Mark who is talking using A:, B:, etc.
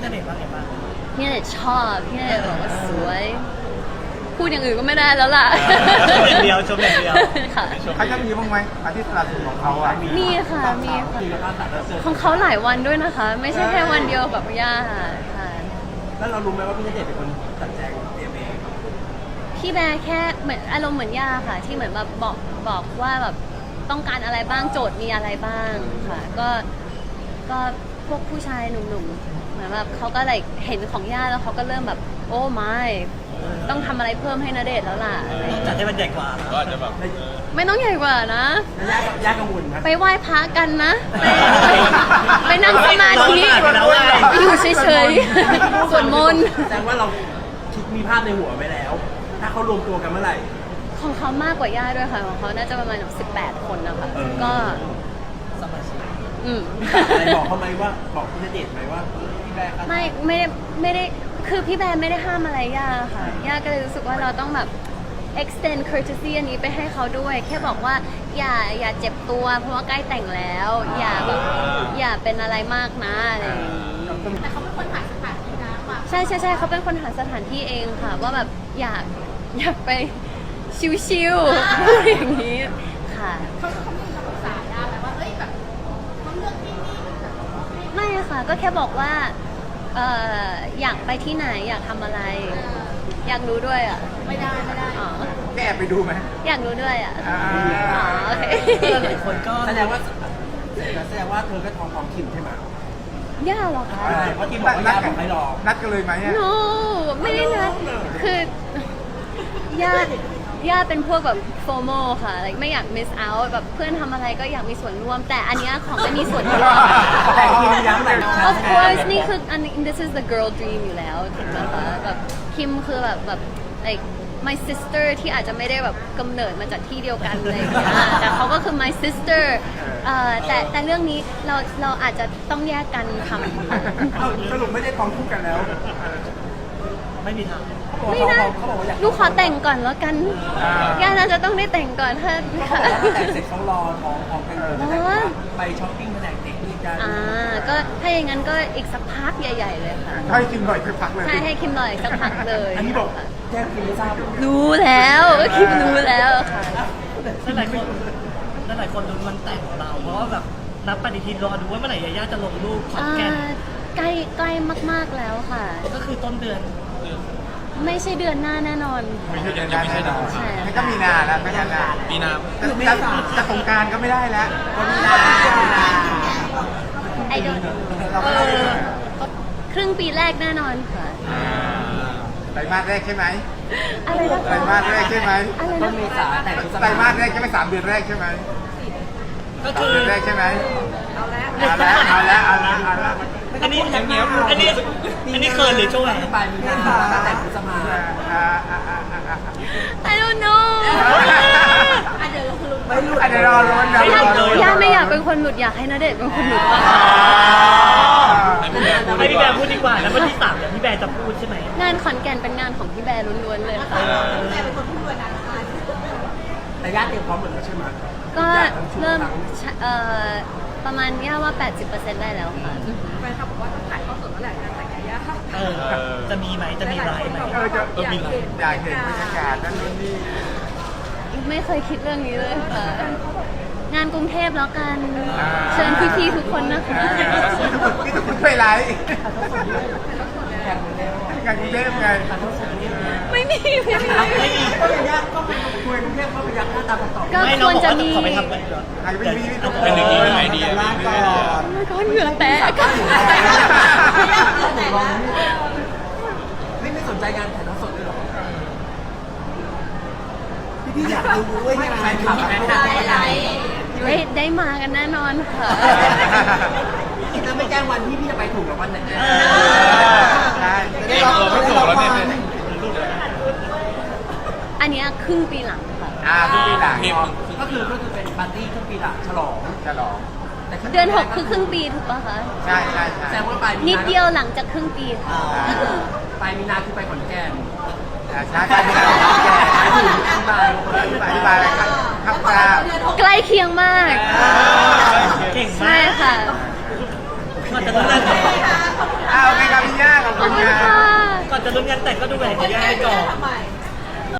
A: ณเดชน์ว่าไงบ้าง
B: พี่ณเดชน์ชอบพี่ณเดชน์บอกว่าสวยพูดอย่างอื่นก็ไม่ได้แล้วล่ะ
A: ชมอย่างเดียว
B: ค่ะ
C: เขาจะมีบ้างไหมอาทิตย์ละสุดของเขาอ่ะ
B: มีค่ะมีของเขาหลายวันด้วยนะคะ ไม่ใช่แค่วันเดียวกับย่าค่ะ
A: แล้วเรารู้ไหมว่าพี่ณเดชน์เป็นคนจัดแจงเตรียมเอง
B: พี่แบร์แค่เหมือนอารมณ์เหมือนย่าค่ะ ที่เหมือนแบบบอกว่าแบบต้องการอะไรบ้างโจทย์มีอะไรบ้างค่ะก็พวกผู้ชายหนุ่มๆเหมือนแบบเขาก็เลยเห็นของย่าแล้วเขาก็เริ่มแบบโอ้ไม่ต้องทำอะไรเพิ่มให้ณเดชน์แล้วล่ะ
A: จัดให้มันใหญ่กว่า
D: ก็จะแบบ
B: ไม่ต้องใหญ่กว่านะ
A: ยากกังวลนะ
B: ไปไหว้พระกันนะไปนั่งสมาธิอยู่เฉยๆสวดมนต์
A: แสดงว่าเราคิดมีภาพในหัวไว้แล้ว ถ้าเขารวมตัวกันเมื่อไหร่
B: ของเขามากกว่าย่าด้วยค่ะของเขาน่าจะประมาณ18 คนนะคะก็
A: สมาชิกอะไรบอกเขาไหมว่าบอกพี่ณเดชน์ไหมว่าพี่แบร์
B: ไม่ได้คือพี่แบร์ไม่ได้ห้ามอะไรย่าค่ะย่าก็เลยรู้สึกว่าเราต้องแบบ extend courtesy อันนี้ไปให้เขาด้วยแค่บอกว่าอย่าเจ็บตัวเพราะว่าใกล้แต่งแล้วอย่าเป็นอะไรมากนะอะไรอย่างนี้
E: แต่เขาเป็นคนหาสถานที่นะว่า
B: ใช่เขาเป็นคนหาสถานที่เองค่ะว่าแบบอยากไปชิวๆพูดอย่างนี้ค่ะ
E: เขามีคำปรึกษาได้ไหมว่าเอ้ยแบบเขาเลือกที่นี่
B: ไม่ค่ะก็แค่บอกว่าอยากไปที่ไหนอยากทำอะไรอยากรู้ด้วยอ่ะ
E: ไม่ได้
B: อ๋อ
C: แกไปดูไหม
B: อยากรู้ด้วยอ่ะอ๋อโอเค
A: หลายคนก็แสดงว่าเธอก็ท้องของคิมใช่ไหม
B: ย่าหรอคะ
A: เพราะคิมบอกว่าย่าบอกให้รอ
C: นัดกันเลยไหม
B: no ไม่ได้นัดคือย่าเป็นพวกแบบ FOMO ค่ะไม่อยาก miss out แบบเพื่อนทำอะไรก็อยากมีส่วนร่วมแต่อันนี้ของไม่มีส่วนร่วม of course นี่คืออันนี้ this is the girl dream อยู่แล้วถูกไหมคะแบบคิมคือแบบ like my sister ที่อาจจะไม่ได้แบบกำเนิดมาจากที่เดียวกันอะไรอย่างเงี้ยแต่เขาก็คือ my sister แต่เรื่องนี้เราอาจจะต้องแยกกันทำ
C: สรุปไม่ได้ท้องคู่กันแล้ว
A: ไม่มีทาง
B: ไม่นะลูกขอแต่งก่อนแล้วกันย่าน่าจะต้องได้แต่งก่อนถ้า
A: แต่งเสร็จเขารอท้องกันเลยไปช้อปปิ้งแผนกเด็กนี่กัน
B: ก็ถ้าอย่างนั้นก็อีกสักพักใหญ่ๆเลยค่ะ
C: ให้คิมหน่อยสักพักเลย
B: ใช่ให้คิมหน่อยสักพักเลย
A: อันนี้บอกแจ้งคิมไม่ทราบ
B: รู้แล้วคิมรู้แล้วค่ะ
A: หลายคนลุ้นวันแต่งของเราเพราะว่าแบบนับปฏิทินรอดูว่าเมื่อไหร่ย่าจะลงรูปคอนแกน
B: ใกล้มากๆแล้วค่ะ
A: ก็คือต้นเดือน
B: ไม่ใช่เดือนหน้าแน่นอน
C: ไม่ใช่เดือนหน้าแน่นอนมันก็มีนาแล้วไม่ใช่
D: มีนา
C: จะสงการก็ไม่ได้แล้วมีนา
B: ไอดอลครึ่งปีแรกแน่นอนค่ะ
C: ไตรมาสแรกใช่ไหม
B: อะไรนะ
C: ไตรมาสแรกใช่ไหม
A: ต้นเมษาแต่
C: ไตรมาสแรกใช่ไหม3 เดือนแรกใช่ไหม
A: ก็คือ
C: เดือนแรกใช่ไหมเอาแล้ว
A: อันนี้เกินหรือช่วงไหนปลายมีนาแต่พฤษภา
B: I don't know
E: เดี๋ยว
C: ไม่รู้เดี๋ยวรอลุ้น
B: ย่าไม่อยากเป็นคนหลุดอยากให้ณเดชน์เป็นคนหลุดบ้าง
A: ให้พี่แบร์พูดดีกว่าแล้ววันที่3เดี๋ยวพี่แบร์จะพูดใช่ไหม
B: งานขอนแก่นเป็นงานของพี่แบร์ล้วนๆเลยค่ะ
E: แม่เป็นคนพูดด้วยนะ
A: แต่ย่าเตรียมพร้อมหมดแล้วใช่ไหม
B: ก็เริ่มประมาณย่าว่า 80% ได้แล้วค่ะ
E: แฟนคลับบอกว่าต้องถ่ายทอดสดเมื่อไหร่การแต่งงานย่า
A: จะมีไหมจะมีไลฟ์ไหม
C: อยากเห็นบรรยากาศนั่นนี่
B: ไม่เคยคิดเรื่องนี้เลยค่ะงานกรุงเทพแล้วกันเชิญพี่ๆทุกคนนะคะ
C: พี่ทุกคนไปไลฟ์งานกรุงเทพไง
B: ไม่มี
A: ก็เป็นยากก็เป็นคุยกรุงเทพก็เป็นยากหน้าตาต่อ
B: ก็ควรจะมี
D: เป็นอย่างนี้ไอเดีย
B: ก็เหงื่อแตก
A: ไม่สนใจงานถ่ายทอดสดด้วยหรอพี่อยากดูด้วยใช่ไหมแฟนคลับ
B: ได้มากันแน่นอนค่ะ
A: ถ้าไม่แจ้งวันพี่จะไปถูกหรือวันไหน
C: ใช่
D: ไม่ถูกแล้วเนี่ย
B: อันนี้ครึ่งปีหลังค่ะ
C: ครึ่งปีหลัง
A: ก็คือเป็นปาร์ตี้ครึ่งปีหลังฉลอง
B: เดือน6คือครึ่งปีถูกป่ะคะ
C: ใช่
A: แสดงว่าปลายมีนา
B: นิดเดียวหลังจากครึ่งปีค่ะ
A: ปลายมีนาคือไปขอนแก่น
C: ใช่ไปอะไรครับ
B: ใกล้เคียงมาก
A: เก่งมาก
B: ใช่ค่ะ
A: มันจะต้องเลิก
C: โอเคครับพี่ย่า
A: จะลุ้นงานแต่งก็ดูแหวนยาย่าไปก่อน